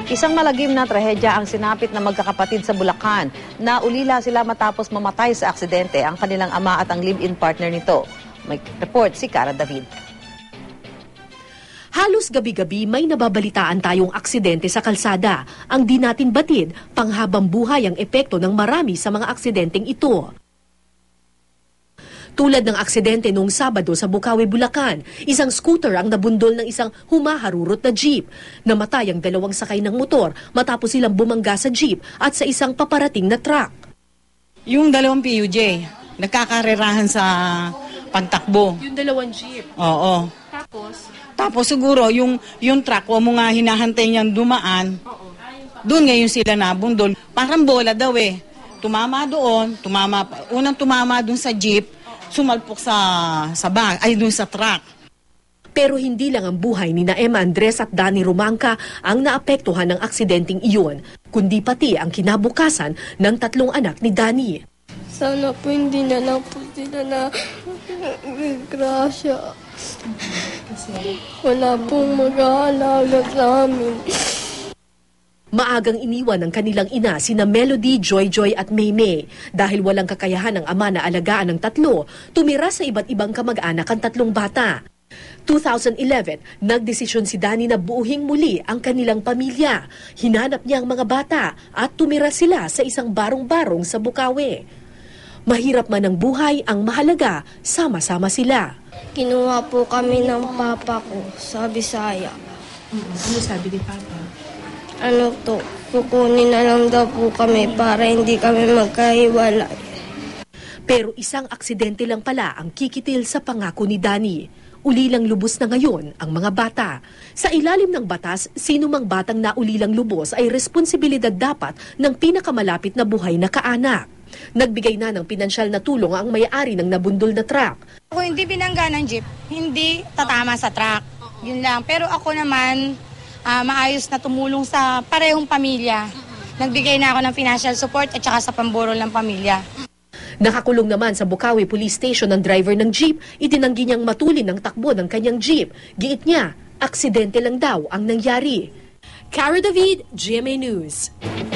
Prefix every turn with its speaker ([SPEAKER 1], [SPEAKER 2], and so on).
[SPEAKER 1] Isang malagim na trahedya ang sinapit na magkakapatid sa Bulacan. Naulila sila matapos mamatay sa aksidente ang kanilang ama at ang live-in partner nito. May report si Cara David.
[SPEAKER 2] Halos gabi-gabi may nababalitaan tayong aksidente sa kalsada. Ang di natin batid, panghabang buhay ang epekto ng marami sa mga aksidenteng ito. Tulad ng aksidente noong Sabado sa Bukawi, Bulacan, isang scooter ang nabundol ng isang humaharurot na jeep. Namatay ang dalawang sakay ng motor matapos silang bumangga sa jeep at sa isang paparating na truck.
[SPEAKER 3] Yung dalawang PUJ, nagkakarerahan sa pagtakbo.
[SPEAKER 2] Yung dalawang jeep?
[SPEAKER 3] Oo. Tapos siguro yung truck, huwag mo nga hinahantay niyang dumaan, doon ngayon sila nabundol. Parang bola daw eh. Tumama doon, unang tumama doon sa jeep, sumalpok doon sa truck.
[SPEAKER 2] Pero hindi lang ang buhay ni Emma Andres at Danny Rumangka ang naapektuhan ng aksidenteng iyon, kundi pati ang kinabukasan ng tatlong anak ni Danny.
[SPEAKER 4] Sana po hindi na lang po sila na grasya. Wala pong mag-aalaga sa amin.
[SPEAKER 2] Maagang iniwan ng kanilang ina sina Melody, Joy at Maymay. Dahil walang kakayahan ng ama na alagaan ng tatlo, tumira sa iba't ibang kamag-anak ang tatlong bata. 2011, nagdesisyon si Danny na buuhing muli ang kanilang pamilya. Hinanap niya ang mga bata at tumira sila sa isang barong-barong sa Bukawi. Mahirap man ang buhay, ang mahalaga, sama-sama sila.
[SPEAKER 4] Kinuha po kami ng papa ko sa Bisaya.
[SPEAKER 2] Ano sabi ni Papa?
[SPEAKER 4] Kukunin na lang daw po kami para hindi kami magkahiwalay.
[SPEAKER 2] Pero isang aksidente lang pala ang kikitil sa pangako ni Danny. Ulilang lubos na ngayon ang mga bata. Sa ilalim ng batas, sino mang batang naulilang lubos ay responsibilidad dapat ng pinakamalapit na buhay na kaanak. Nagbigay na ng pinansyal na tulong ang may-ari ng nabundol na truck.
[SPEAKER 5] Kung hindi binangga ng jeep, hindi tatama sa truck. Yun lang. Pero ako naman, maayos na tumulong sa parehong pamilya. Nagbigay na ako ng financial support at saka sa pamburol ng pamilya.
[SPEAKER 2] Nakakulong naman sa Bukawi Police Station ang driver ng jeep, itinanggi niyang matulin ang takbo ng kanyang jeep. Giit niya, aksidente lang daw ang nangyari. Cara David, GMA News.